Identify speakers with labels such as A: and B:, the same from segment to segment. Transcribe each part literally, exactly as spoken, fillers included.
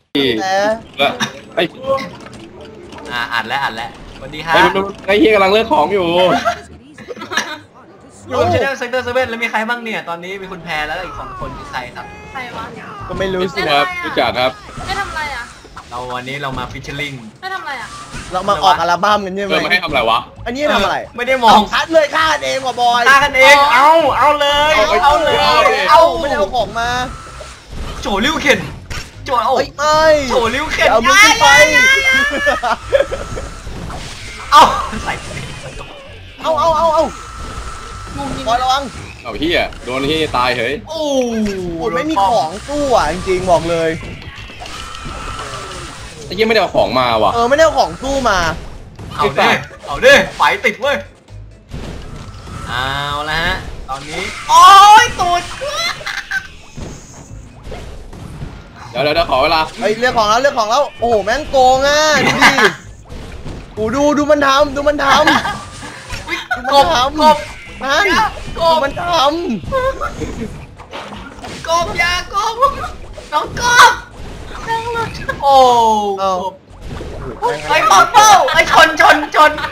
A: ไอ้
B: อ่าอ่านแล้วอ่านแล้วสวัสดีครับ
A: ไอ้เฮียกำลังเลือกของอยู่
B: อยู่กับชาแนลเซกเตอร์เซเว่นแล้วมีใครบ้างเนี่ยตอนนี้มีคุณแพรแล้วอีกสองคนคือใครครับ
C: ใครวะ
A: ก็ไม่รู้สิครับรู้จักครับ
C: ไม่ทำอะไรอ่ะ
B: เราวันนี้เรามาฟิชเชอร์ลิง
C: ไม่ทำอะไรอ่ะ
D: เรามาออกอัลบั้มกันใช่ไหม
A: เออมาให้ทำอะไรวะ
D: อันนี้ทำอะไร
B: ไม่ได้มอง
D: ชัดเลยฆ่ากันเองว่ะบอย
B: ฆ่ากันเองเอาเอาเลยเอาเลย
D: เอาไม่ได้เอาของมา
B: โจลิ้วเข็นโจเอา
D: ไม่
B: โจลิ้วเข็น
D: เอามือไป
B: เอาใส่
D: เอาเอาเอาเอาบอยระวัง
A: เอาเฮียโดนเฮียตายเฮ้ย
B: โอ้
D: ไม่มีของตู้อ่ะจริงๆบอกเลย
A: ไอ้เฮียไม่ได้เอาของมาว่ะ
D: เออไม่ได้เอาของตู้มา
B: เอาดิเอาดิไฟติดเว้ยเอาละฮะตอนนี้โอ้ยตูด
A: เดี๋ยวเดี๋ยวขอเวลา
D: ไอ้เรื่องของแล้วเรื่องของแล้วโอ้โหแม่งโกงอ่ะดูดิกูดูดูมันทำดูมันทำ
B: กบกบ
D: นั่นกบมันท
B: ำกบยากบน้องกบโอ้ไอ้ปอเป้าไอ้ชนชนชน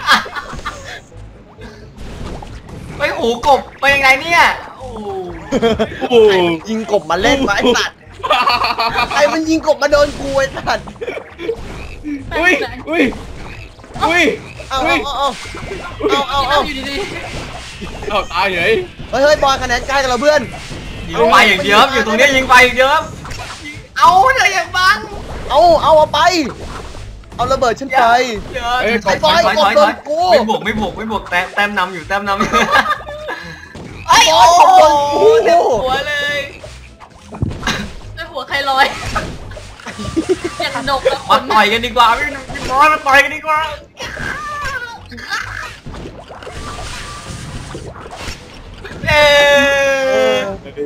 B: ไอ้หูกบไปยังไงเนี่ยโอ้
D: โหยิงกบมาเล่นไอ้สัตว์ใครมันยิงกบมาโดนกูไอ้สัตว์
A: อุ้ยอุ้ยอุ้ย
D: เอาเอาเอาเอาเอาเอา
C: อยู่ดี
A: ๆเอาตายเลย
D: เฮ้ยเฮ้ยบอลคะแนนใกล้กันเราเพื่อน
B: ยิงไปอย่างเดียวอยู่ตรงนี้ยิงไปอย่างเดียวเอาเลยอย่างบัง
D: เอาเอาเอาไปเอาระเบิดฉันไป
B: ไอ้บอยกดโดนกูไม่บวกไม่บวกไม่บวกแต้มแต้มนำอยู่แต้มนำอยู่
D: ไอ้บอยกดโดนกู
B: หัวเลย
C: ไอ้หัวใครลอยอย่างหนก
B: มาต่อยกันดีกว่าพี่น้อยมาต่อยกันดีกว่าเอ๊ะ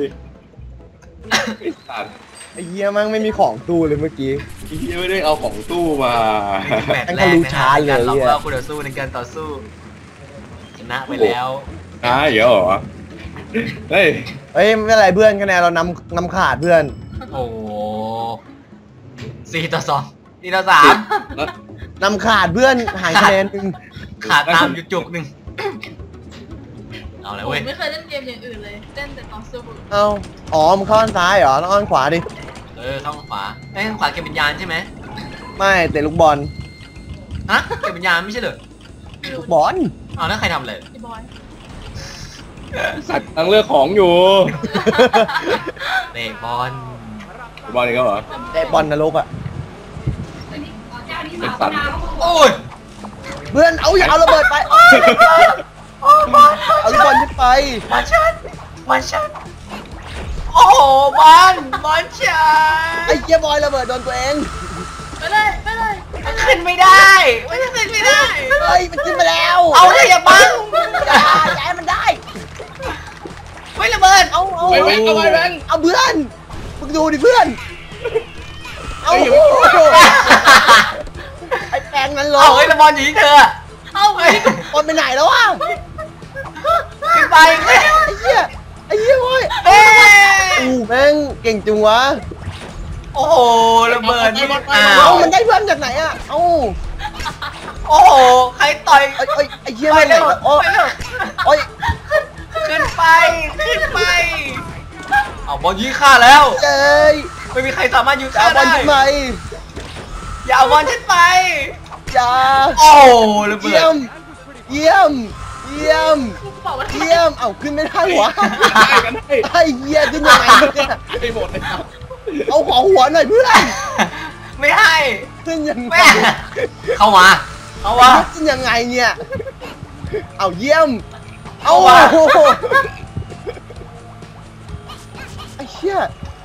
D: ไอ้เหี้ยมั่งไม่มีของตู้เลยเมื่อกี้
A: ไอ้เหี้ยไม่ได้เอาของตู้มา
B: แมตช์แรกนะเราเราคู่ต่อสู้ในการต่อสู้ชนะไปแล้ว
A: อ่ะเดี๋ยวเหรอเฮ้ย
D: เฮ้ยไม่เป็นไรเพื่อนคะแนนเรานำนำขาดเพื่อน
B: โอ้สี่ต่อสองสี่ต่อสาม
D: นำขาดเพื่อนหายคะแนนหนึ่ง
B: ขาดตามอยู่จุกหนึ่งเอาเลยเว้ย
C: ไม่เคยเล่นเกมอย่างอื่นเลยเล่นแต่ต่อสู้
D: เอาอ๋อมันเข้าด้านซ้ายเหรอแล้วอ้อนขวาดิ
B: เออเข้าขวาไอ้ข้างขวาเก็บวิญญาณใช่ไหม
D: ไม่แต่ลูกบอล
B: ฮะเก็บวิญญาณไม่ใช่เหรอ
D: ลูกบอล
B: เอาแล้วใครทำเลย
C: ไอ้บอย
A: สัตว์ตั้งเลือกของอยู่
B: เตะบอล
A: บอลนี่ก็เหรอ
D: เตะบอลนรกอ่ะ
A: เป็นสัตว์
B: โอ้ย
D: เพื่อนเอาอย่าเอาระเบิดไปเอาลูกบอลขึ้นไป
B: มาชันมาชันโอ้บอลบอลชัน
D: ไอ้เจี๊ยบอยระเบิดโดนตัวเอง
C: ไปเลยไปเลย
B: มันขึ้นไม่ได้มันขึ้นไม่ได้
D: เฮ้ยมันขึ้นมาแล้ว
B: เอาเลยอย่าบัง
D: อย่าอย่าให้มันได้
B: ไม่ระเบิด
D: เอาเอา
A: ไปแบงเอาไปแบง
D: เอาเพื่อนมึงดูดิเพื่อนเอาไอ้แปงนั้นลง
B: เอาไอ้ระบอลอยู่ที่เธอ
C: เอาไอ้
D: บอลไปไหนแล้ววะ
B: ขึ้นไป
D: ไอ้เหี้ยไอ้เหี้ยโว้ย
B: เอ้
D: อู้แม่งเก่งจังวะ
B: โอ้โหระเบิด
D: อ้าวมันได้เพื่อนจากไหนอ่ะเอ้า
B: โอ้โหใครต่อย
D: ไอ้ไอ้เหี้ยไปไหนโอ้โอ้ย
B: ขึ้นไปขึ้นไปเอาบอลยิงฆ่าแล้ว
D: เจ้ย
B: ไม่มีใครสามารถยิงฆ่า
D: ได้บอลขึ้นไป
B: อย่าเอาบอลขึ้นไป
D: อย่า
B: โอ้ระเบิด
D: เยี่ยมเยี่ยมเยี่ยมเยี่ยมเอาขึ้นไม่ได้หวะไอ้เหี้ยขึ้นยังไงเนี่ย
A: ไอ้หมดเลยครับ
D: เอาขอหัวหน่อยเพื่อน
B: ไม่ให้
D: ขึ้นยังไง
B: เข้ามาเข้ามา
D: ขึ้นยังไงเนี่ยเอาเยี่ยมเอาไอ้เหี้ย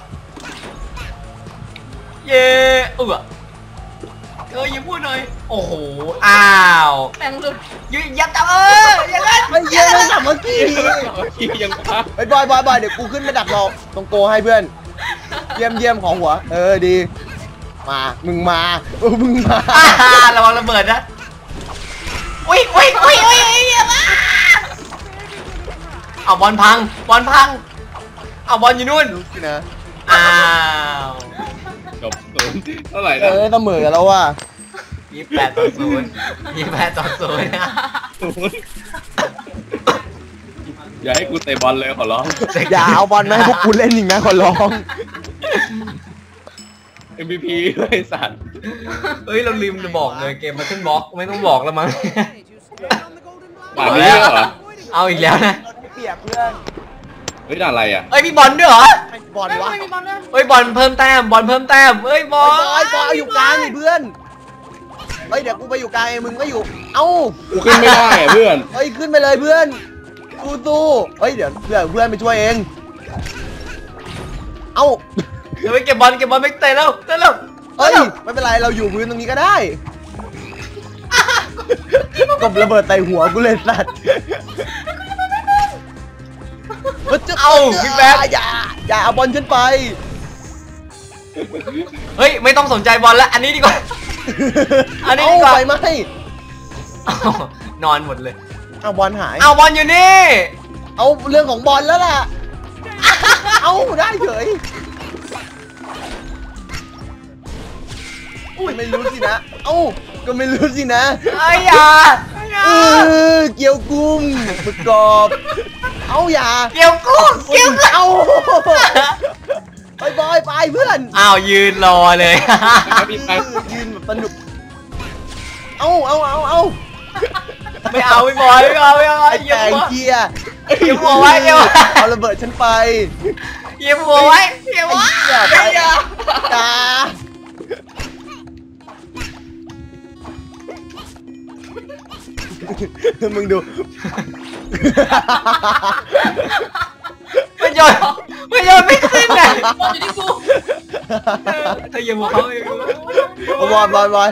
B: เย่เออเธอยิ้มพูดหน่อยโอ้โหอ้าว
C: แปงหลุด
B: ยืนยับจับเอออย่างนั้น
D: ไอ้เหี้ยไม่ทำเมื่อกี้
A: ยัง
D: ไอ้บอยบอยบอยเดี๋ยวกูขึ้นไปดักรอตรงโกให้เพื่อนเยี่ยมเยี่ยมของหัวเออดีมามึงมาเออมึงมา
B: ระวังระเบิดนะอุ้ยอุ้ยอุ้ยอุ้ยเอาบอลพังบอลพังเอาบอลอยู่นู่น
D: ดูสินะ
B: อ้าว
A: จบศูนย์เท่าไหร่
D: เอ
A: นะ
D: อเสมอกันแล้วว่ะ
B: ยี่สิบแปดต่อศูนย์ยี่สิบแปดต่อศูนย์นะ
A: ศูนย์อย่าให้กูเตะบอลเลยขอร้อง
D: อย่าเอาบอลมาให้พวกกูเล่นอีกนะขอร้อง
A: เอ็ม วี พี เลยสัตว์
B: เฮ้ยเราลืมจะบอกเลยเกมมาขึ้นบล็อกไม่ต้องบอกแล้วมั้ง
A: ด่านนี้เหรอ
B: เอาอีกแล้วนะ
D: เปรียบเพื่อน
A: เฮ้ยด่านอะไรอ่ะ
B: เอ้ยมีบอลด้วยเหรอ
D: ให้บอล
C: ไม่
D: วะ
C: ไม่มีบอลด้วย
B: เฮ้ยบอลเพิ่มแต้มบอลเพิ่มแต้มเฮ้ยบอล
D: บอยบอยเอาอยู่กลางนี่เพื่อนเฮ้ยเดี๋ยวกูไปอยู่กลางเองมึงก็อยู่เอ้า
A: กูขึ้นไม่ได้อะเพื่อน
D: เฮ้ยขึ้นไปเลยเพื่อนสู้สู้เฮ้ยเดี๋ยวเพื่อนเพื่อนไปช่วยเองเอ้า
B: เดี๋ยวไปเก็บบอลเก็บบอลไปเตะแล้วเตะแล้ว
D: เฮ้ยไม่เป็นไรเราอยู่พื้นตรงนี้ก็ได้กบระเบิดใส่หัวกูเลยสัตว์เอาพี่แบ๊อย่าอย่าเอาบอลฉันไป
B: เฮ้ยไม่ต้องสนใจบอลแล้วอันนี้ดีกว่า อันนี้
D: เอา
B: ดีกว่า
D: ไปไหม
B: อ้าวนอนหมดเลย
D: เอาบอลหาย
B: เอาบอลอยู่นี่
D: เอาเรื่องของบอลแล้วล่ะเอาได้เฉยอุ้ยไม่รู้สินะเอ้าก็ไม่รู้สินะ
B: ไอ้ยอย่าอย่า
D: เออเกี่ยวกุ้งประกอบ เอาอย่า
B: เกี่ยวกูเกี่ยวกู
D: เอาไปบอยไปเพื่อน
B: อ้าวยืนรอเลย
D: ยืนแบบสนุก เอาเอาเอาเอา
B: ไม่เอาไม่บอยไม่เอาไม่เอา
D: ไอ้
B: เหยีย
D: แก
B: บ
D: ง
B: หัว
D: เกียร์
B: เหยียบหัวไว้เหยียบหัว
D: เอาระเบิดฉันไป
B: เหยียบหัวไว้เหยียบ
D: ไอ้
B: หัว
D: เหี้ยไปอย่ามึงดู
B: ไม่โยนไม่โยนไม่ขึ้นเลย
C: บอลอยู่ที่กู
B: เธอเหยียบหัวเขาเอง
D: บอลบอลบอล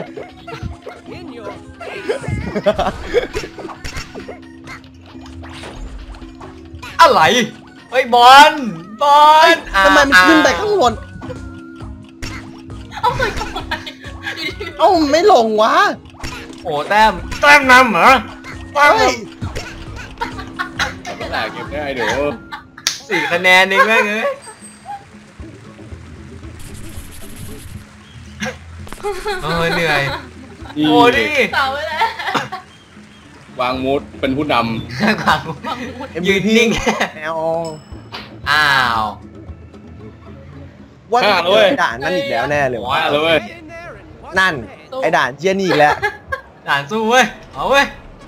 B: อะไรเฮ้ยบอลบอล
D: ทำไมมันขึ้นไปข้างบน
C: เอาเลยทำไมอยู่ที่
D: เอ้าไม่ลงวะ
B: โอ้แต้มแต้มนำเหรอแต้ม
D: เฮ้ย
A: แตกเก็บได้เดี๋ยว
B: สี่คะแนนเองแม่งเอ้ยโอ้ยเหนื่อยโอ้ดิ
C: เสาไว้แล้ว
A: วางมูดเป็นผู้น
B: ขวางยืนนิ่ง
D: แอล
B: อ้าว
D: ว่าจะเจอด่านนั่นอีกแล้วแน่เลย
A: ำ
D: วะ
A: ว่าเลยเว้ย
D: นั่น ไอ้ด่านเจียนี่อีกแล้ว
B: ด่านสู้เว้ยเอาเว้ย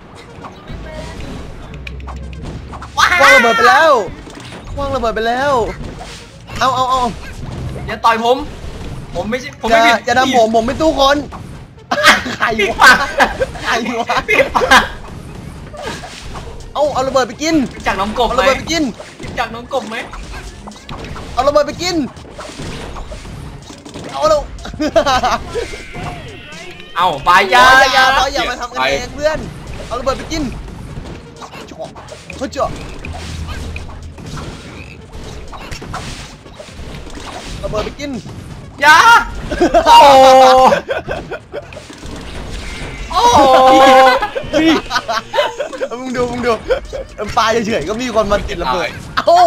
D: คว้างระเบิดไปแล้วคว้างระเบิดไปแล้ว เอาเอาเอา
B: อย่าต่อยผม ผมไม่ใช่ผม
D: จะ
B: ไม่ผิด
D: จะทำผมผมไม่ตู้คนใคร
B: ปิด
D: วะ
B: ปาก
D: ใครวะ
B: ปิดปาก
D: เอาเอาระเบิดไปกิน
B: จากน้องกบ
D: เอา
B: ไหม
D: ระเบิดไปกิน
B: จากน้องกบไหม
D: เอาระเบิดไปกิน เอาเรา
B: เอาไปยา
D: อย่าอย่า
B: า
D: อย่ามาทำกันเองเพื่อน เอาระเบิดไปกินจ่อเขาจ่อระเบิดไปกิน
B: อยาโอ้โอ้
D: มึงดูมึงดูปลาเฉยๆก็มีคนมาติดระเบิด เอ้า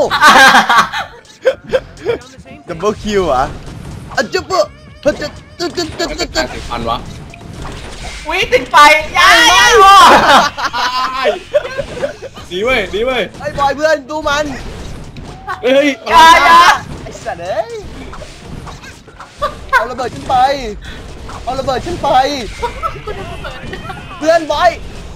D: ดับเบิลคิวอ่ะอ่ะจุ๊บปุ๊บจุ๊บจุ๊บจุ๊บจุ๊บจุ๊บ
A: มัน
D: จุ๊
A: จะ
D: บ
A: แตกสิบพันวะ
B: วิติดไฟยายาโ
A: ดีเว้ยดีเว้ย
D: ไอ้บอยเพื่อนดูมัน
A: เฮ้ย
B: ยายา
D: ไอ้สัตว์เอ้ยเอาระเบิดขึ้นไป เอาระเบิดขึ้นไป เพื่อนบอย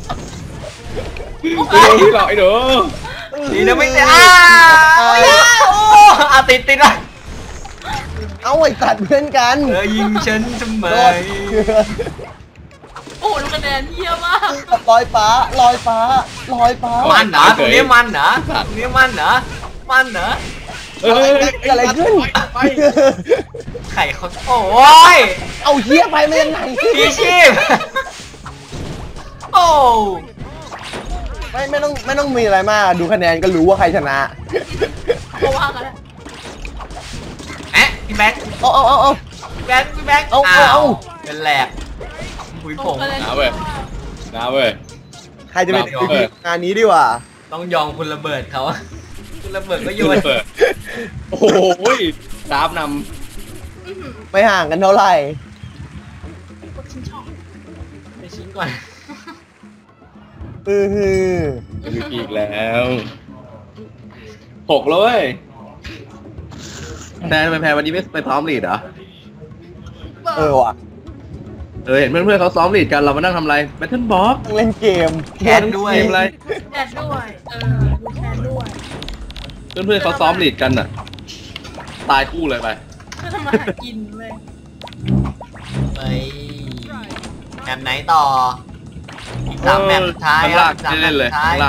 A: ไอ้เดี๋ยวหลอกไอ้เดี๋ยว
B: ดีนะไม่ติดอ้าโอ้อาติดติดอ่ะ
D: เอาไอ้สัตว์เพื่อนกัน
B: เธอยิงฉันทำไม
D: โดน
C: โอ้ดูคะแนนเยี่ยมมาก
D: ลอยฟ้าลอยฟ้าลอยฟ้า
B: มันเหรอตรงนี้มันเหรอตรงนี้มันเหรอมันเหรอ
A: เฮ้ย
D: เกิดอะไรขึ้น
A: ไป
B: ไข่เขาโอ้ย
D: เอาเฮียไปมายังไง
B: พีชีพโอ้
D: ไม่ไม่ต้องไม่ต้องมีอะไรมากดูคะแนนก็รู้ว่าใครชนะ
C: เพราะว่ากันแล้ว
B: แอะพี่แบ๊ก
D: เอาเอาเอาเอา
B: พี่แบ๊กพี่แบ๊ก
D: เอาเอาเอา
B: เป็นแหลกหุยผง
C: คะแนน
A: น้าเว้ยน้าเว้ย
D: ใครจะเป็น
A: เอาเอา
D: งานนี้ดีกว่า
B: ต้องยอมคุณระเบิดเขาคุณระเบิดก็โยน
A: เปิดโอ้โหดาบน
C: อื้อหือ
D: ไม่ห่างกันเท่าไหร่
C: กดชิ้นชอบ
B: ไปชิ้นก่อน
D: อือฮือ
A: มีอีกแล้วหกแล้วเว้ยแทนไปแพ้วันนี้ไม่ไปซ้อมลีดเหรอ
D: เออว่ะ
A: เออเห็นเพื่อนๆเขาซ้อมลีดกันเรามานั่งทำอะไรแบทเทิลบ็อก
D: เล่นเกม
B: แคทด้วย
A: เกมอะไร
C: แคทด้วยเออดูแคทด้วย
A: เพื่อนๆเขาซ้อมลีดกันอ่ะ ตายคู่เลยไป
C: คือทำมาหากินเลย
B: ไปแมปไหนต่อ อีกสามแมปสุดท้าย
A: ข้าง
B: ครั
A: ล่า
B: บ
A: ง
B: สามแม
A: เล่
B: ป
A: นๆเล
B: สุ
A: ย
B: ดท้าย
A: ข้างล่าง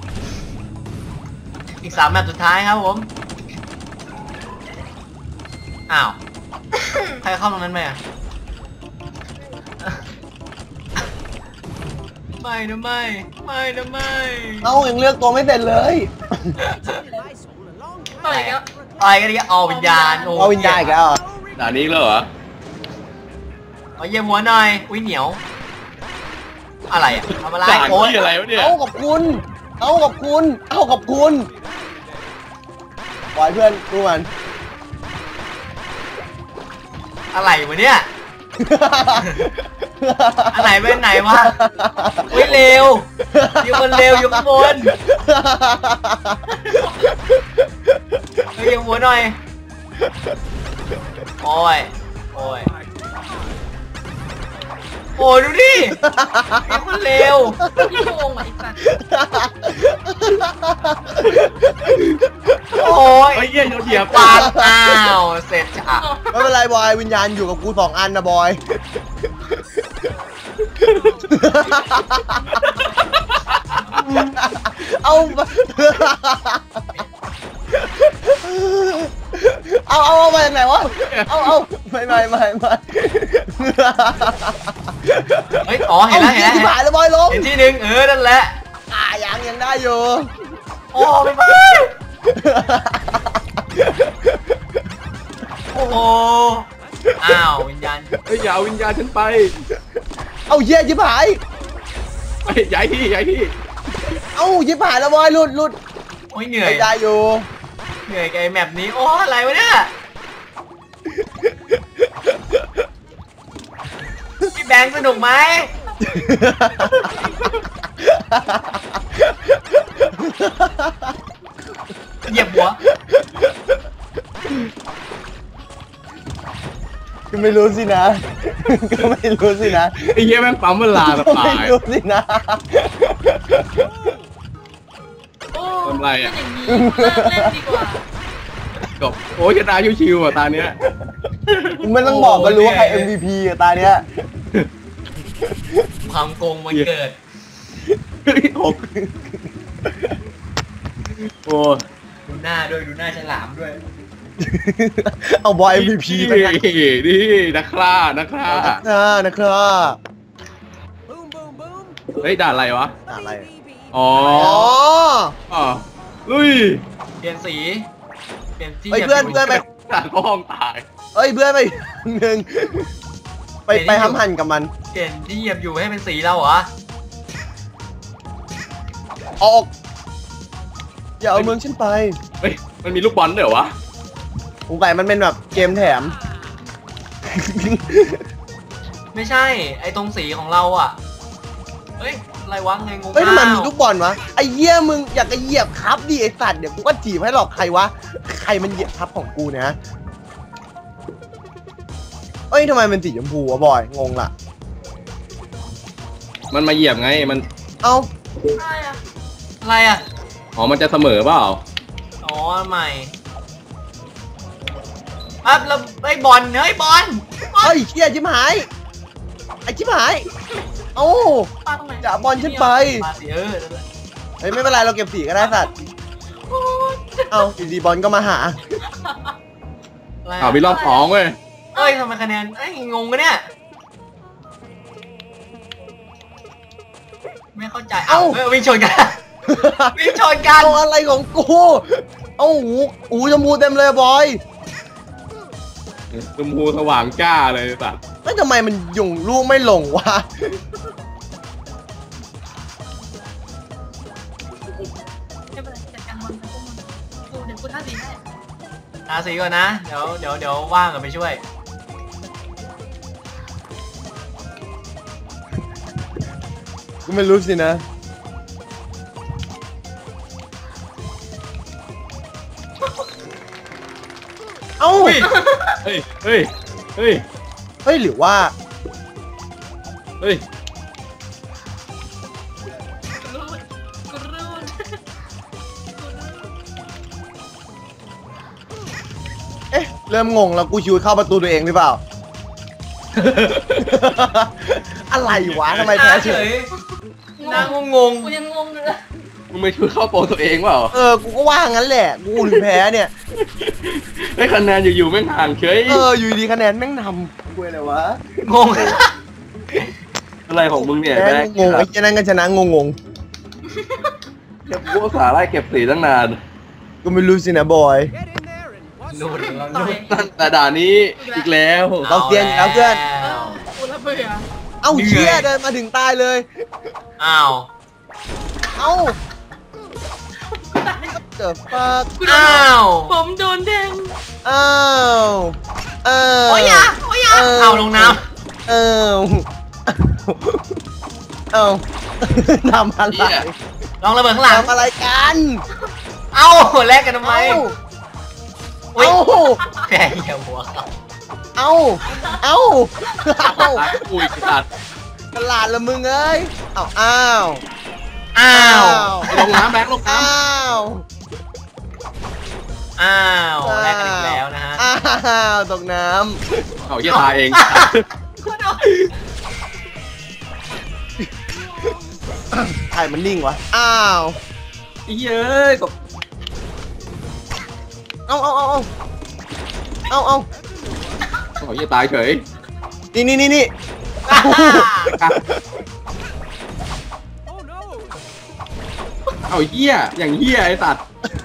B: อีกสามแมปสุดท้ายครับผม อ้าว ใครเข้าตรงนั้นไหมอ่ะ ไม่นะไม่ ไม่นะไม่
D: เอ้ายังเลือกตัวไม่เสร็จเลย
C: ต่อยก็
B: อะไรกันเนี่ยเอาวิญญาณโ
D: เอาวิญญาณอีกแล้วเหรอ
A: ด่านนี้แล้วเหรอ
B: เอาเยี่ยมหัวหน่อย อุ้ยเหนียว อะไรอ่ะทำอะไร
A: ด่าน
B: โอ้ย
A: ที่อะไรวะเนี่ย
D: เอากับคุณ เอากับคุณ เอากับคุณปล่อยเพื่อนดูมัน
B: อะไรวะเนี่ย อันไหนเป็นไหนวะ อุ้ยเร็วอยู่คนเร็วอยู่ข้างบนเฮ้ยยังหัวหน่อย โอ้ย โอ้ย โอ้ยดูดิอยู่คนเร็ว
C: พี่โกงอ่ะไอ้สัส
B: โอ้ย
A: ไอ้เหี้ยโดนเหยียบ
B: ปาดอ้าวเสร็จจ้ะ
D: ไม่เป็นไรบอยวิญญาณอยู่กับกูสองอันนะบอย เอาเอาเอาเอามาจากไหนวะ เอาเอาไม่ไม่ไม่ไม่
B: เฮ้ย อ๋อ เห็นแล้วเห็นแล้ว
D: ที่
B: เห็น
D: ผ่านแล้วบอยลง
B: เห็นที่หนึ่งเออ นั่นแหละ
D: อ่ายังยังได้อยู่
B: โอ้ไม่ไปโอ้โห อ้าว วิญญาณ
A: เฮ้ยอย่าเอาวิญญาณฉันไป
D: เอาเยี่ยยิบหาย
A: เฮ้ยย้ายที่ย้ายที่
D: เอายิบหายแล้วบอยหลุดหลุด
B: โอ้ยเหนื่อย
D: ไม่ได้อยู่
B: เหนื่อยกับไอ้แมปนี้ โอ้อะไรวะเนี่ย พี่แบงค์สนุกไหม เหยียบหัว
D: ก็ไม่รู้สินะ ก็ไม่รู้สินะ
A: ไอ้เหี้ยแม่งปั๊มเวลาแบบ
D: ก็
A: ตา
D: ไม่
A: ย
D: รู้สินะ
C: โอ้
A: ทำไรอะ
C: เป็นอย่างนี้เลิกเล่นดีกว่า
A: จบโอ้ยชนะชิวๆอ่ะตาเนี้ย
D: ไม่ต้องบอกก็รู้ว่าใคร เอ็ม วี พี อะตาเนี้ย
B: ความโกงมันเกิด
A: หกโอ้ย
B: ดูหน้าด้วย ดูหน้าฉลามด้วย
D: เอาบอย เอ็ม วี พี ไป
A: นี่
D: กัน
A: นี่นักฆ่านักฆ่า
D: นะนะครับ
A: เฮ้ยด่านอะไรวะ
D: อะไร
A: อ๋อ
D: อ๋อ
A: อ๋อลุย
B: เปลี่ยนสี เปลี่ยนที่
D: เฮ้ยเพื่อนเพื่อนไป
A: ด่านห้องตาย
D: เอ้ยเพื่อนไปหนึ่งไปไปทำหั่นกับมัน
B: เปลี่ยนที่เหยียบอยู่ให้เป็นสีเราเหรอ
D: ออก อย่าเอาเมืองฉันไป
A: เฮ้ยมันมีลูกบอลด้วยเหรอวะ
D: สงสัยมันเป็นแบบเกมแถม
B: ไม่ใช่ ไอ้ตรงสีของเราอ่ะ เฮ้ย อะไรวะไงงง
D: เฮ้ยทำไมมี
B: อ้าว
D: ลูกบอลวะ ไอ้เหี้ยมึงอยากจะเหยียบครับดิไอ้สัตว์เดี๋ยวกูก็จีบให้หรอกใครวะ ใครมันเหยียบครับของกูเนี่ยเอ้ยทำไมมันสีชมพูวะบอย งงละ
A: มันมาเหยียบไงมัน
D: เอ้า
C: อะไรอ่ะ
B: อะไรอ่ะ
A: อ๋อมันจะเสมอเปล่า
B: อ๋อใหม่ปั๊บแล้วไอ้บอลเฮ้ยบอล
D: เฮ้ยเชี่ยชิบหาย ไอ้ชิบหาย เอ้า
C: ปลาตรงไหน
D: อย่าบอลฉันไป
B: มาสิเออนั่นแหละ
D: เฮ้ยไม่เป็นไรเราเก็บสีก็ได้สัตว์
C: โอ้ย
D: เอ้าอยู่ดีบอลก็มาหา
B: อะไร
A: อ้าวมี
B: อะ
A: รอบสองเว้ย
B: เอ้ยทำไมคะแนนเอ้ยงงกันเนี่ย ไม่เข้าใจ เอ้า
D: เอ้า
B: เอ้ยวิ่งชนกัน วิ่งชนกัน
D: เอาอะไรของกู เอ้าหูหูชมพูเต็มเลยบอย
A: ชมพูสว่างจ้าเลยสัตว์
D: แล้วทำไมมันยุงลูกไม่ลงวะ
C: ไม่เป็นไรจัดการมันไปพวกมันกูเดี๋ยวกูท่าสีให้
B: ทาสีก่อนนะ เดี๋ยวเดี๋ยวเดี๋ยวว่างกันไปช่วย
D: กูไม่รู้สินะเอ้า
B: อุ้ย
A: เฮ้ยเฮ้ยเฮ้ย
D: เฮ้ยหรือว่า
A: เฮ้ย
C: กรูดกรูด
D: เอ๊ะเริ่มงงแล้วกูชิวเข้าประตูตัวเองหรือเปล่า อะไรวะทำไมแพ้เฉย
B: นางงง
C: กูยังงงอยู่เลย
A: มึงไม่ช่วยเข้าโปรตัวเองเปล่า
D: เออกูก็ว่างั้นแหละกูถึงแพ้เนี่ย
A: ไอ้คะแนนอยู่ๆแม่งห่างเฉย
D: เอออยู่ดีคะแนนแม่งนำกูอะไรวะ
B: งง
A: อะไรของมึงเนี่ย
D: แพ้
A: แม่ง
D: งงไอ้เจ้านั่นก็ชนะงงง
A: เก็บกูสาไล่เก็บสีตั้งนาน
D: ๆก็ไม่รู้สินะบอย
B: นูด
C: ต่อย
A: ตั้งแต่ด่านนี้อีกแล้ว
D: เราเซียนแล้วเพื่อน
C: เออกูระเบื่อ
D: เอ้าเชี่ยเดินมาถึงตายเลย
B: อ้าว
D: เอ้าเจอฟัก
C: กูโดน
B: อ้าว
C: ผมโดนแทง
D: อ้าวอ้าว
C: โอ้ยอยาโอ้ยอยา
B: เอาลงน้
D: อ้าวเอ้าทำอะไร
B: ำลองระเบิดข้างหลัง
D: ทำอะไรกัน
B: เอ้าแลกกันทำไม
D: เอ้า
B: อุ้ย
D: เอ้า
B: แพ้เหี้ยหัวเขา
D: เอ้าเอ้าเอ้า
A: ตายกูอีกสัตว์
D: ตลาดละมึงเอ้ยเอ้าอ้าว
B: อ้าว
A: ไอ้ลงน้ำแบงค์ลงน้
D: อ้าว
B: อ้าวแลกกันอีกแล้วนะฮะ
D: อ้าวตกน้
A: ำเอาเหี้ยตายเอง
C: กูโดน
D: ำใครมันนิ่งวะ อ้าว
A: ไอ้เหี้ยเอ้ยตก
D: เอาเอาเอาเอาเอาเอา
A: เอาเหี้ยตายเฉย
D: นี่นี่นี่นี่
A: เอาเหี้ยอย่างเหี้ยไอ้สัตว์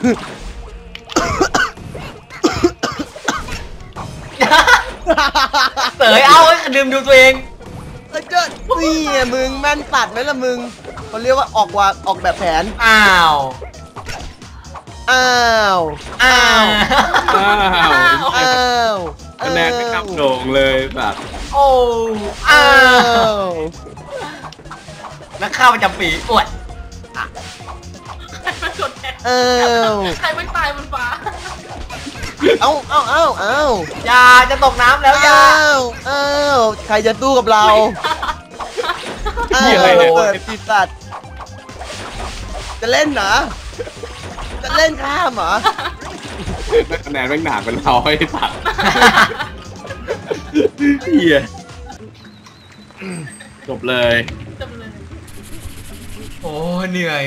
B: เสยเอาไอ้ดื่มดูตัวเอง
D: เอ้ยเจ้านี่ไงมึงแม่นตัดไหมล่ะมึงเขาเรียกว่าออกว่าออกแบบแผน
B: อ้าว
D: อ้าว
B: อ้าว
A: อ้าว
D: อ้าว
A: คะแนนไม่กลับโด่งเลยสัตว์
B: โอ้อ้า
D: อ้าว ว
B: นักข้าวประจำปีอวด
C: ใครมันกดแทง
D: อ้าว
C: ใครมันตายบนฟ้า
D: เอาเอาเอาเอา
B: อย่าจะตกน้ำแล้วอย่า
D: อ้าวอ้าวใครจะสู้กับเราอ้า
A: เหี้ยอะไร
D: ว
A: เนี่ย
D: เปิดปีศาจจะเล่นเหรอจะเล่นข้ามเหรอ
A: คะแนนแม่งหนาเป็นเราไอ้สัตว์เหี้ยจบเลย
C: จำเลย
B: โอ้เหนื่อย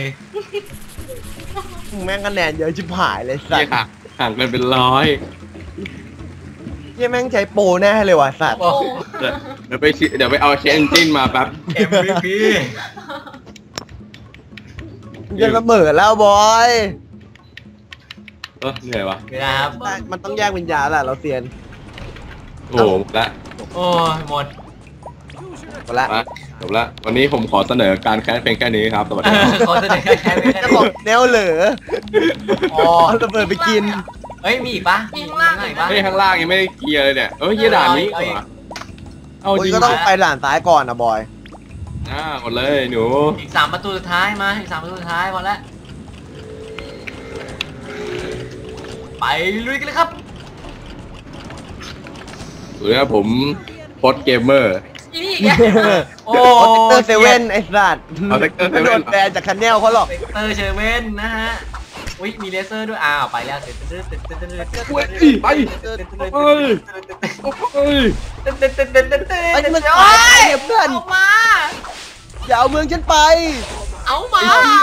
D: แม่งคะแนนเยอะชิบหายเลยสั
A: เหี้
D: ต
A: ย
D: ว์
A: ห่างห่างกันเป็นร้อย
D: เหี้ยแม่งใช้โปรแน่เลยว่ะสัตว์
B: โอ้
A: เดี๋ยวเดี๋ยวไปชิเดี๋ยวไปเอาเชนจินมาแป๊บ
B: เอ็มวีพี
D: จะเสมอแล้วบอย
A: เออเหนื่อยวะ
B: เวลาครับ
D: ได้มันต้องแยกวิญญาณแหละเราเซียน
A: โอ้โหหมดละ
B: โอ้ยหมด
D: หมดละ
A: มาจบละวันนี้ผมขอเสนอการแคสเพลงแค่นี้ครับสวัสดีครับ
B: ขอแสดงแค่ไม่ได้
D: จะบอกแนวเหลือ
B: อ๋อ
D: เอาระเบิดไปกิน
B: เฮ้ย มีอีกปะมีอีกปะ
A: เฮ้ยข้างล่างยังไม่ได้เคลียร์เลยเนี่ยเอ้ยเหี้ยด่านนี้เหรอเอา
D: โอ้
A: จ
D: ย
A: ริง
D: ก็ต้องไปด่านซ้ายก่อนนะบอย
A: อ่าหมดเลยหนู
B: อีกสามประตูสุดท้ายมา อีกสามประตูสุดท้ายพอแล้ว ไปลุยกันเลยครับ
A: สวัสดีครับผมพอดเกมเมอร์
C: อีนี่อีกแก
B: โอ้
D: โอเตอร์เซเว่นไอ้สัตว์
A: เอา Sector
D: ไม่โดนแบนจากคันแนลเขาหรอก
B: เซกเตอร์เชเว่นนะฮะ อุ้ยมีเลเซอร์ด้วย อ้าว ไปแล้วเต็ดเต็ดเต็ดเต็ดเต็ดเต็ดเต็ด
A: เว้ยไปเอ้ยเอ้ย
B: เต็ดเต็ดเต็ดเต็ดเต็ดเต็ด
D: ไอ้นี่มัน
B: โอ้
D: ตาย
B: ย
D: เพื่อน
C: เอามา
D: อย่าเอาเมืองฉันไป
C: เอามา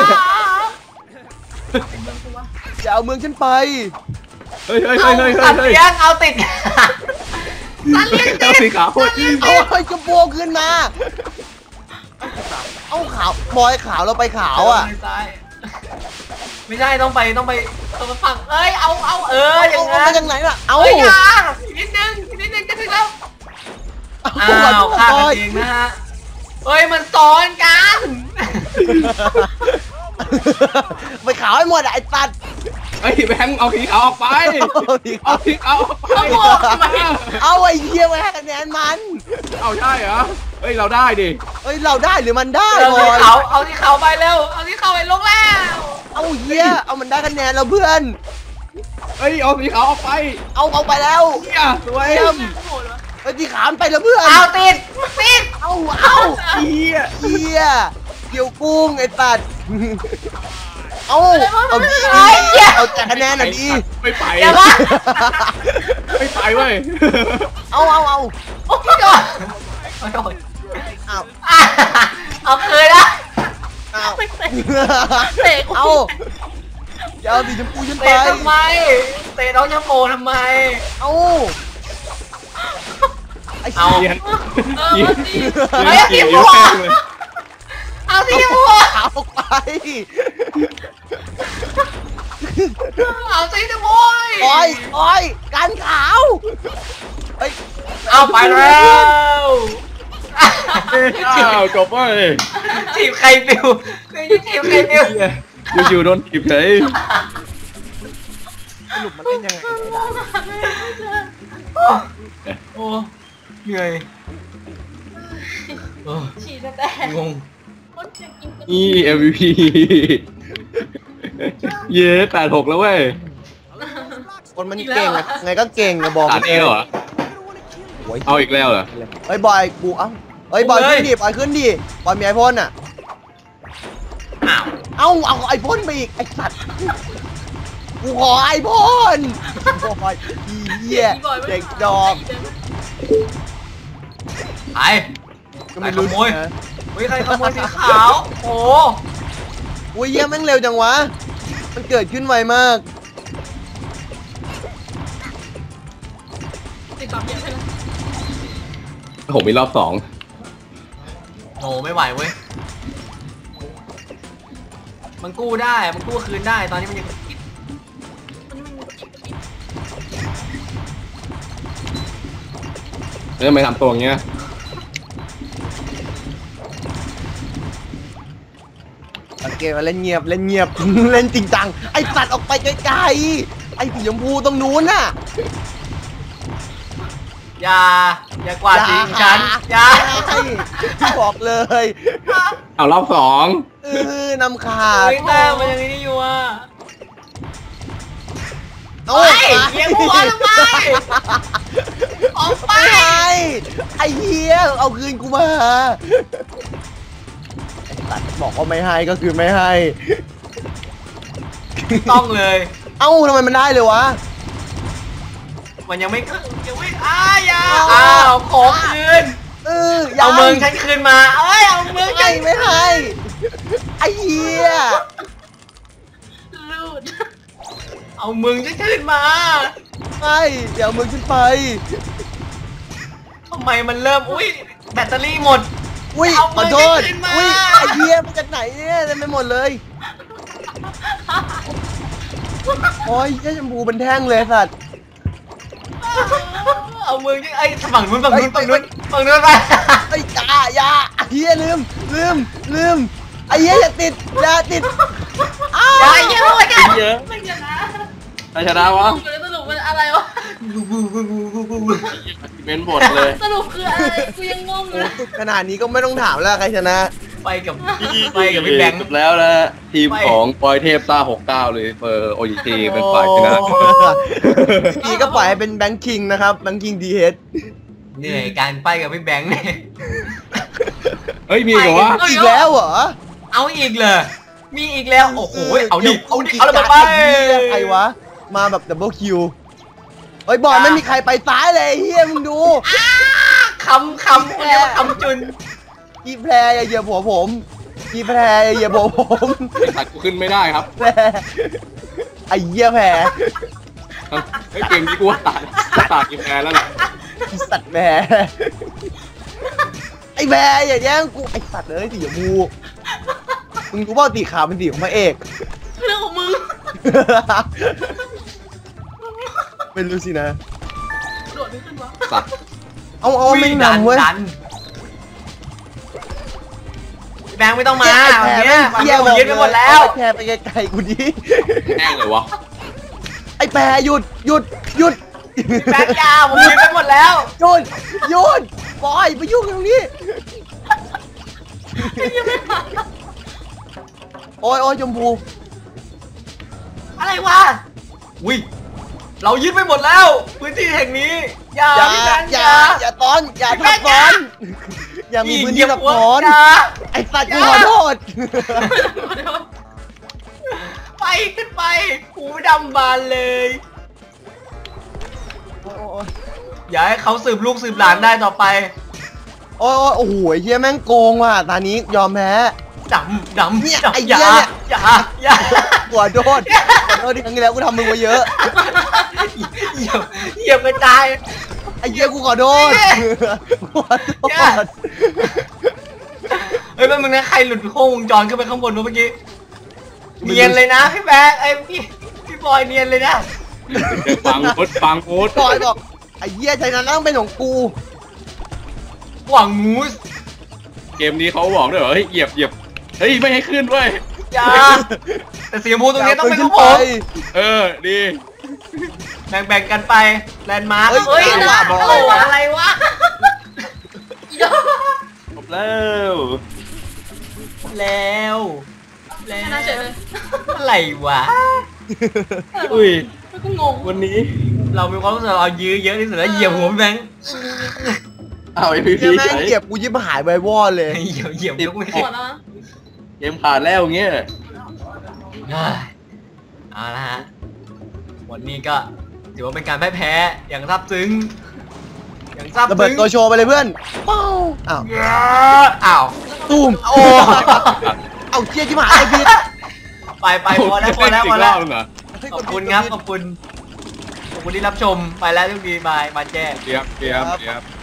D: อย่าเอาเมืองฉันไป
A: เฮ้ยเฮ้ย
B: เอา
A: เฮ้ยเฮ้ย
B: ตัด
A: เฮ้ย
B: เลี้ยงเอาติด
C: ตาเลี้ยง
A: เจ้าสีขาว
D: เอาไอ้กระโปงขึ้นมา เอาขาวบอยขาวเราไปขาวอ่ะ
B: ไม่ใช่ไม่ใช่ต้องไปต้องไปต้องไปฝั่งเอ้ยเอาเอาเอออย่าง
D: เอา
B: นั้
D: มาน จากไหนล่ะ เอา
C: เฮ้ยอย่าอีกนิดนึงอีกนิดนึงจะถึงแล้ว
B: อ้าวฆ่ากันเองนะฮะเอ้ยมันซ้อนกัน
D: ไปขาวให้หมดอะไอ้ตัด
A: เฮ้ยแบงค์เอาสีขาวออกไปเอาสีขาวออกไป
C: เขาบอกทำไม
D: เอาไอ้เหี้ยมาให้คะแนนมัน
A: เอาใช่เหรอเฮ้ยเราได้ดิ
D: เฮ้ยเราได้หรือมันได้
B: เอา
D: บ
B: ที่
D: อย
B: เขาเอาที่เขาไปเร็วเอาที่เขาไปลงแล้ว
D: เอาเหี้ยเอามันได้คะแนนแล้วเพื่อน
A: เฮ้ยเอาสีขาวออกไป
D: เอาเอาไปแล้ว
A: เนี่ยสวย
D: เยี่ยม
C: โหดวะ
D: เฮ้ยที่ขามไปแล้วเพื่อน
B: เอาติดติด
D: เอาเอา
A: เฮีย
D: เหี้ยเกี่ยวกุ้งไอ้ตัดเอาเอาดีเอาแต่คะแนนอ่ะดี
A: ไม่ไป
B: อย่ามา
A: ไม่ไปเว้ย
D: เอาเอาเอา
B: โอ้ยโดนโอ้ยโดน
D: เอา
B: อ่ะเอาคืนนะ
D: เอา
C: ไม่เตะเตะกู
D: เอาอย่าเอาสีชมพูฉันไป
B: เตะทำไมเตะน้องยาโมทำไม
D: เอาไอ้
B: เอา
A: เยียน
C: เออมาสิ
B: เฮ้ยสีม่วง เอาสีม่วง
D: เอาไป
B: เอาสีม่วง
D: โอ้ยโอ้ยการขาวเฮ้ย
B: เอาไปแล้ว
A: อ้าวจบเว้ย
B: ทีมใครปิวคือทีมใครปิว
A: อยู่ๆโดนถีบเฉย
D: สรุปมันเล่นยังไงได้
B: โอ้เหนื่อยโอ้
C: ฉีดแต่
B: งง
C: คนจะกินกัน
A: นี่ เอ็ม วี พี เย้แปดหกแล้วเว้ย
D: คนมันเก่งอะไงก็เก่งนะบอก
A: ตัดเองเหรอ
D: โอ้ย
A: เอาอีกแล้วเหรอ
D: เฮ้ยบอยกูเอ้าเฮ้ยบอยขึ้นดิบอยขึ้นดิบอยมีไอพ่นอ่ะ
B: อ้าว
D: เอ้าเอาไอพ่นไปอีกไอสัตว์กูขอไอพ่นบอยอีเหี้ยเด็กดอก
B: ไป
D: ก็ไม่รู้
B: ขโมย
D: นะ
B: เฮ้ยใครขโมยสีขาว โอ้
D: อุ้ยเหี้ยแม่งเร็วจังวะมันเกิดขึ้นไวมาก
C: ติดต่อเยอะไปแล้ว
A: ผมมีรอบสอง
B: โหไม่ไหวเว้ย มันกู้ได้ มันกู้คืนได้ ตอนนี้มันยังคิด
C: มันมันมัน
A: แล้วทำไมทำตัวอย่างเงี้ย
D: สังเกตว่าเล่นเงียบเล่นเงียบ เล่นจริงจังไอสัตว์ออกไปไกลๆไอสีชมพูตรงนู้นน่ะ
B: อย่า อย่ากวาดสีของฉัน อย่า
D: ใช่บอกเลย
A: เอารอบสอง
D: เออนำขาด
B: เฮ้ยแต้มมันยังนี่อยู่อ่ะ
D: โอ้
B: เฮ้ยเหี้ยหัวทำไม ออกไป
D: ไม่ให้ไอ้เหี้ยเอาคืนกูมาไอ้สัตว์บอกว่าไม่ให้ก็คือไม่ให้
B: ต้องเลย
D: เอ้าทำไมมันได้เลยวะ
B: มันยังไม่ขึ้นยังไม่อ้าอย่าอ้าวขอคืน
D: เออ
B: เอาเมืองฉันคืนมา เอ้ย เอาเมืองฉั
D: ไม่
B: น
D: ไม่ให้ไอ้เหี้ย
C: รูด
B: เอาเมืองฉันคืนมา
D: ไม่เดี๋ยวมึงขึ้นไป
B: ทำไมมันเริ่ม อุ้ย แบตเตอรี่หมด
D: อุ้ย
B: เอา
D: ข
B: มื
D: อ
B: อ
D: โทษ
B: ขึ้นมา
D: อุ้ยไอ้เหี้ยมาจากไหนเนี่ยเต็มไปหมดเลยโอ้ยเหี้ยชมพูเป็นแท่งเลยสัตว์
B: เอาเมืองฉันไอ้ยฝั่งนู้นฝั่งนู้น
D: เอ้
B: ฝั่
D: ย
B: งนู้นฝั่งนู้นไป
D: ไอ้ยาอยาไอ้เหี้ยลืมลืมลืมไอ้เหี้ยอย่าติดอย่าติดอ้าว
B: อย่าอย่าโวยกัน
A: เยอะ
C: ไม่ชนะ
A: ใครชนะวะ
C: สรุปมันอะไรวะ
A: เม้นบทเลย
C: สรุปคืออะไรกูยังงงอ
D: โอ้
C: ยู่
D: สุดขนาดนี้ก็ไม่ต้องถามแล้วใครชนะ
B: ไปกับไปกับพี่แบงค์
A: จบแล้วนะทีม
B: ไป
A: ของปอยเทพซ่าหกเก้าเลยเฟอร์โอจีทีเป็นฝ่ายชนะ
B: โอ้
D: พี่ก็ปล่อยให้เป็นแบงค์คิงนะครับแบงค์คิงดีเฮด
B: เหนื่อยการไปกับพี่แบงค์เนี่ย
A: เฮ้ยมีเหรอวะ
D: อีกแล้วเหรอ
B: เอาอีกเลย มีอีกแล้ว โอ้โห เอาดิ เอาดิ
D: กี่
B: เอาระเบิดไป
D: การใครวะ มาแบบดับเบิลคิวเฮ้ยบอยไม่มีใครไปซ้ายเลยเฮียมึงดู
B: คำคำเรียกว่าคำจุน
D: กีแพรอย่าเหยียบหัวผมกีแพรอย่าเหยียบหัวผม
A: ไอ้สัตว์กูขึ้นไม่ได้ครับ
D: แพรไอ้เหี้ยแพร
A: ไอ้เกมนี้กูว่าตัดตัดกินแพ้แล้วแหละ
D: ไอ้สัตว์แพรไอ้แพรอย่าแย่งกูไอ้สัตว์เลยสีชมพูมึงรู้เปล่าสีขาวเป็นสีของพระเอก
C: เรื่องของมึง
D: เป็นรู้สินะ
C: โดดไม่ขึ้นวะ
A: สัตว์
D: เอาเอาไม่นำเว้ย
B: ดันพี่แบงค์ไม่ต้องมา
D: แพร
B: วัน
D: แพร
B: เนี้ย
D: แม่ง
B: วัน
D: เหี้
B: เนี้
D: ย
B: ยผมยึดไปหมดแล้ว
D: แพรไปไกลๆกูดิ
A: แห้งเลยวะ
D: แปรหยุดหยุดหยุด
B: แบงค์ยาผมยืนไปหมดแล้ว
D: หยุดหยุดบอยไปยุ่งตรงนี้
C: ยังไม่ผ่าน
D: โอ้ยโอ้ยชมพู
B: อะไรวะอุ้ยเรายึดไปหมดแล้ว พื้นที่แห่งนี้อย่า
D: อย่า
B: พี่แบงค์
D: อย่าอย่าตอนอย่าทับซ้อนอย่ามีพื้นที่ทับซ้อน
B: อย่า
D: ไอ้สัตว์กูขอโทษ
B: ไปขึ้นไปหูดำบานเลย
D: โอ้ยโอ้ย
B: อย่าให้เขาสืบลูกสืบหลานได้ต่อไป
D: โอ้ยโอ้โหเฮียแม่งโกงว่ะตอนนี้ยอมแพ้
B: ดำดำ
D: เนี่ย
B: ดำ
D: ไอ้
B: อ
D: เหี้
B: ย่าย
D: เนี่ย
B: อย่าอย่า
D: ขอโทษขอโทษที่ครั้งที่แล้วกูทำมึงมาเยอะ
B: เหยียบเหยียบกระจาย
D: ไอ้เหี้ยกูขอโทษขอโท
B: เนี่ย
D: ษ
B: เฮ้ยแป๊บนึงนะใครหลุดโค้งวงจรขึ้นไปข้างบนวะเมื่อกี้เนียนเลยนะพี่แบ๊กไอ้พี่พี่บอยเนียนเลยนะ
A: ฟังมุดฟังมุด
D: บอยบอกไอ้เหี้ยใจนั้นต้องเป็นของกู
B: หวังมูส
A: เกมนี้เขาบอกด้วยเหรอเฮ้ยเหยียบเหยียบเฮ้ยไม่ให้ขึ้นเว้ย
B: อย่าแต่สีชมพูตรงนี้ต้องเป็นของผ
D: ไป
B: ม
A: เออดี
B: แบ่งแบ่งกันไปแลนด์มาร์ค
D: เฮ้ย
B: เฮ้ย
D: จังหวะบอล
B: อะไรวะอะไรวะ
C: อีดอก
A: จบแล้ว
B: แล้วแล้
C: ช
B: ว
C: นะเฉยเลย
B: อะไรวะ
A: อุ้ย
C: แล้วก็งง
A: วันนี้
B: เรามีความรู้สึกเรายื้อเยอะที่สุดแล้วเหยียบหัวพี่แบงค์
A: เอาไอ้พี
D: เหี้
A: พี
D: ยแม่งเหยียบกูยิบหายไปวอดเลย
B: เหยียบเหยียบยกไม่
C: ห
B: ขึ้น
C: มดแล้วนะ
A: เกมขาดแล้วอย่างเงี้ย
B: เฮ้ยเอาละฮะวันนี้ก็ถือว่าเป็นการพ่ายแพ้อย่างซาบซึ้งอย่างซาบ
D: ระเบิด
B: ซึ้ง
D: ตัวโชว์ไปเลยเพื่อนเป้าอ้าว
B: อ้าว
D: ตูม
B: โอ้
D: เอาเจี๊ยจิบหายไอ้พีท
B: ไปไปพอแล้วพอแล้วพอแล้ว
A: อีกรบนึงเหรอ
B: ขอบคุณครับขอบคุณขอบคุณที่รับชมไปแล้วทุกทีบายมาแจ้
A: เตรียมเตรียมเตรียม